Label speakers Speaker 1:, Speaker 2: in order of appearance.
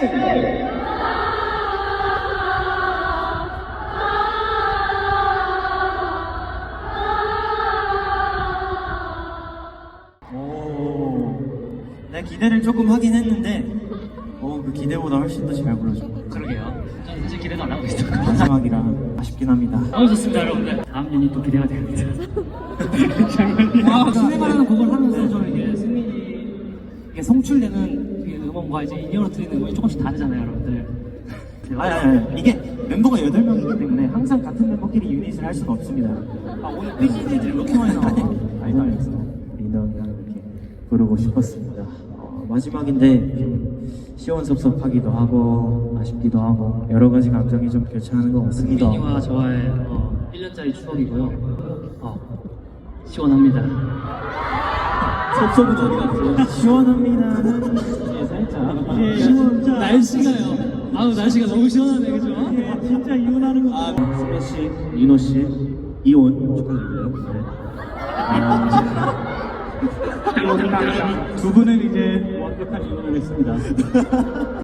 Speaker 1: 내 기대를 조금 하긴 했는데 그 기대보다 훨씬 더 잘 불러줘.
Speaker 2: 그러게요. 저는 사실 기대도 안 하고 있었고.
Speaker 1: 마지막이라 아쉽긴 합니다.
Speaker 2: 너무 좋습니다, 여러분들. 다음 유닛 또 기대가 됩니다.
Speaker 3: 시네마라는 곡을 하면서 좀 이게 승민이 이게 성출되는 이 음원과 이제 인이어로 들리는 음원이 조금씩 다르잖아요, 여러분들.
Speaker 1: 아니, 이게 멤버가 8명이기 때문에 항상 같은 멤버끼리 유닛을 할 수가 없습니다.
Speaker 3: 오늘 삐지들이 이렇게 많이 나와.
Speaker 1: 알면서 민호랑 이렇게 부르고 싶었습니다. 마지막인데 좀 시원섭섭하기도 하고 아쉽기도 하고 여러 가지 감정이 좀 교차하는 것 같습니다.
Speaker 3: 승민이와 저와의 1년짜리 추억이고요. 시원합니다.
Speaker 1: 섭섭은 어디 갔어요? 시원합니다는 이제 살짝 진짜
Speaker 3: 날씨가요. 날씨가 너무 시원하네, 그죠?
Speaker 1: 진짜 이혼하는 거. 승민 씨, 민호 씨 이혼 축하드려요. 두 분은 이제 완벽한 이혼을 했습니다.